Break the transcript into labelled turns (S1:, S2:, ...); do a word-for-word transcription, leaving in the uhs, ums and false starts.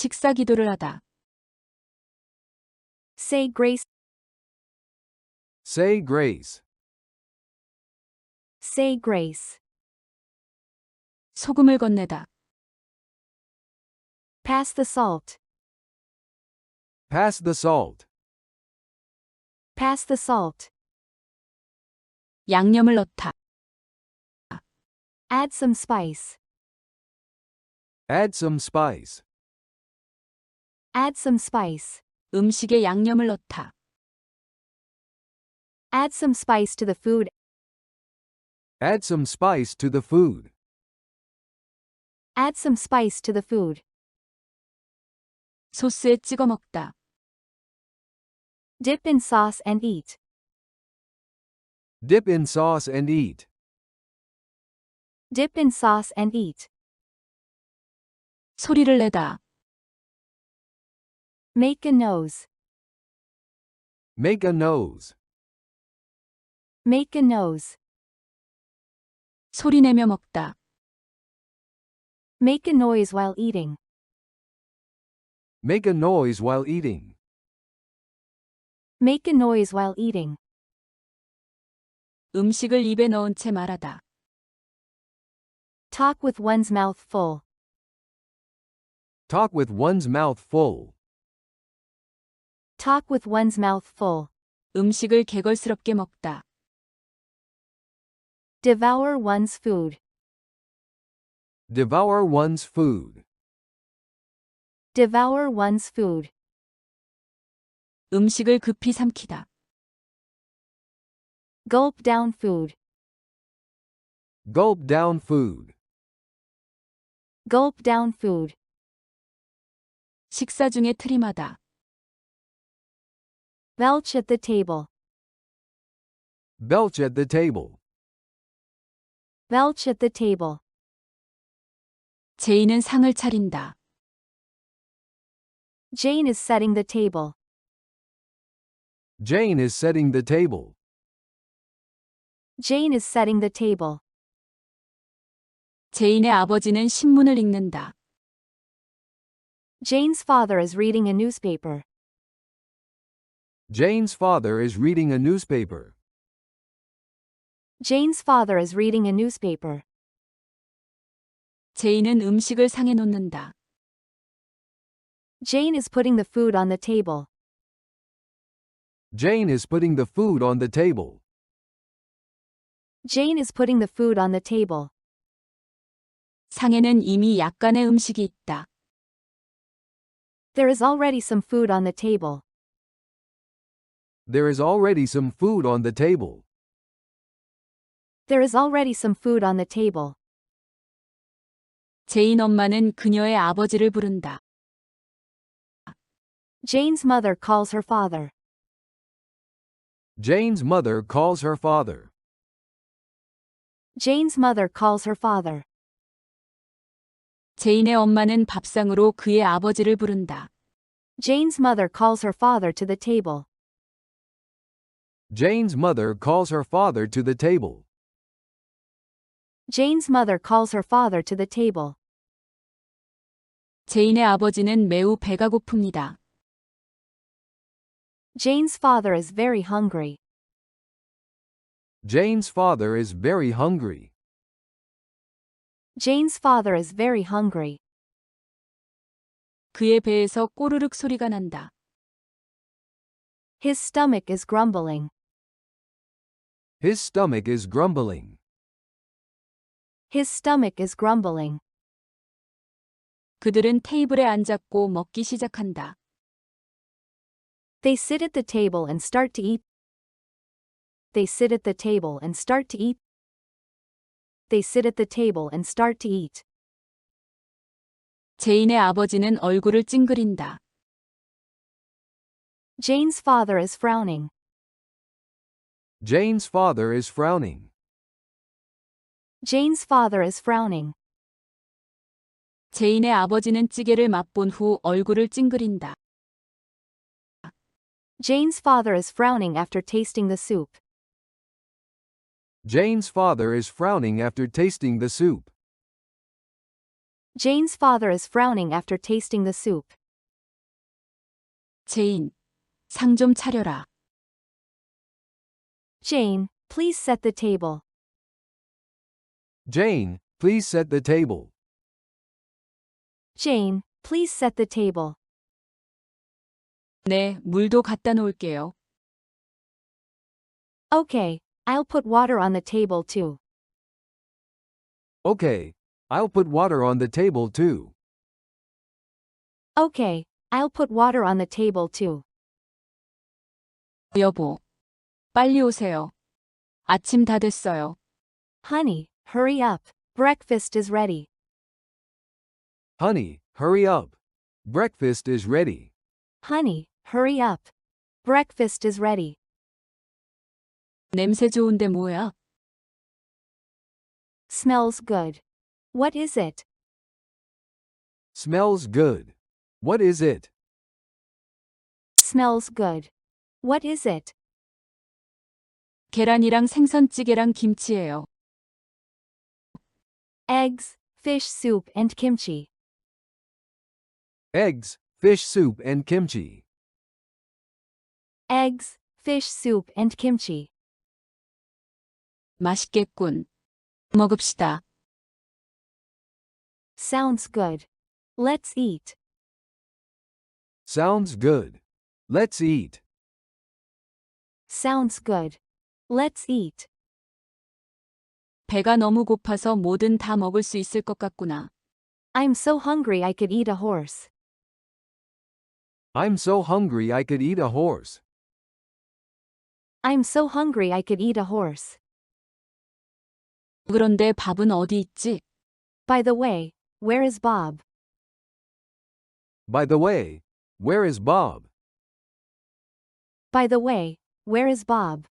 S1: 식사 기도를 하다.
S2: Say grace.
S3: Say grace.
S2: Say grace.
S1: 소금을 건네다.
S2: Pass the salt.
S3: Pass the salt.
S2: Pass the salt.
S1: 양념을 넣다.
S2: Add some spice.
S3: Add some spice.
S2: Add some spice.
S1: 음식에 양념을 넣다.
S2: Add some spice to the food.
S3: Add some spice to the food.
S2: Add some spice to the food.
S1: 소스에 찍어 먹다.
S2: Dip in sauce and eat.
S3: Dip in sauce and eat.
S2: Dip in sauce and eat.
S1: 소리를 내다.
S2: Make a nose.
S3: Make a nose.
S2: Make a nose.
S1: 소리내며 먹다.
S2: Make a noise while eating.
S3: Make a noise while eating.
S2: Make a noise while eating.
S1: 음식을 입에 넣은 채 말하다.
S2: Talk with one's mouth full.
S3: Talk with one's mouth full.
S2: Talk with one's mouth full.
S1: 음식을 개걸스럽게 먹다.
S2: Devour one's food.
S3: Devour one's food.
S2: Devour one's food.
S1: 음식을 급히 삼키다.
S2: Gulp down food.
S3: Gulp down food.
S2: Gulp down food.
S1: 식사 중에 트림하다.
S2: Belch at the table.
S3: Belch at the table.
S2: Belch at the table.
S1: 제이는 상을 차린다.
S2: Jane is setting the table.
S3: Jane is setting the table.
S2: Jane is setting the table.
S1: 제인의 아버지는 신문을 읽는다.
S2: Jane's father is reading a newspaper.
S3: Jane's father is reading a newspaper.
S2: Jane's father is reading a newspaper.
S1: 제인은 음식을 상에 놓는다.
S2: Jane is putting the food on the table.
S3: Jane is putting the food on the table.
S2: Jane is putting the food on the table.
S1: 상에는 이미 약간의 음식이 있다.
S2: There is already some food on the table.
S3: There is already some food on the table.
S2: There is already some food on the table.
S1: 제인 엄마는 그녀의 아버지를 부른다.
S2: Jane's mother calls her father.
S3: Jane's mother calls her father.
S2: Jane's mother calls her father.
S1: 제인의 엄마는 밥상으로 그의 아버지를 부른다.
S2: Jane's mother calls her father to the table.
S3: Jane's mother calls her father to the table.
S2: Jane's mother calls her father to the table.
S1: 제인의 아버지는 매우 배가 고픕니다.
S2: Jane's father is very hungry.
S3: Jane's father is very hungry.
S2: Jane's father is very hungry.
S1: 그의 배에서 꼬르륵 소리가 난다.
S2: His stomach is grumbling.
S3: His stomach is grumbling.
S2: His stomach is grumbling.
S1: 그들은 테이블에 앉았고 먹기 시작한다.
S2: They sit at the table and start to eat. They sit at the table and start to eat. They sit at the table and start to eat.
S1: 제인의 아버지는 얼굴을 찡그린다.
S2: Jane's father is frowning.
S3: Jane's father is frowning.
S2: Jane's father is frowning.
S1: 제인의 아버지는 찌개를 맛본 후 얼굴을 찡그린다.
S2: Jane's father is frowning after tasting the soup.
S3: Jane's father is frowning after tasting the soup.
S2: Jane's father is frowning after tasting the soup.
S1: 제인, 상 좀 차려라.
S2: Jane, please set the table.
S3: Jane, please set the table.
S2: Jane, please set the table.
S1: 네, 물도 갖다 놓을게요.
S2: Okay, I'll put water on the table too.
S3: Okay, I'll put water on the table too.
S2: Okay, I'll put water on the table too.
S1: 여보, 빨리 오세요. 아침 다 됐어요.
S2: Honey, hurry up. Breakfast is ready.
S3: Honey, hurry up. Breakfast is ready.
S2: Honey, hurry up. Breakfast is ready.
S1: 냄새 좋은데 뭐야?
S2: Smells good. What is it?
S3: Smells good. What is it?
S2: Smells good. What is it?
S1: 계란이랑 생선찌개랑 김치예요.
S2: Eggs, fish soup and kimchi.
S3: Eggs, fish soup and kimchi.
S2: Eggs, fish soup and kimchi.
S1: 맛있겠군. 먹읍시다.
S2: Sounds good. Let's eat.
S3: Sounds good. Let's eat.
S2: Sounds good. Let's eat.
S1: 배가 너무 고파서 뭐든 다 먹을 수 있을 것 같구나.
S2: I'm so hungry I could eat a horse.
S3: I'm so hungry I could eat a horse.
S2: I'm so hungry I could eat a horse.
S1: 그런데 밥은 어디 있지?
S2: By the way, where is Bob?
S3: By the way, where is Bob?
S2: By the way, where is Bob?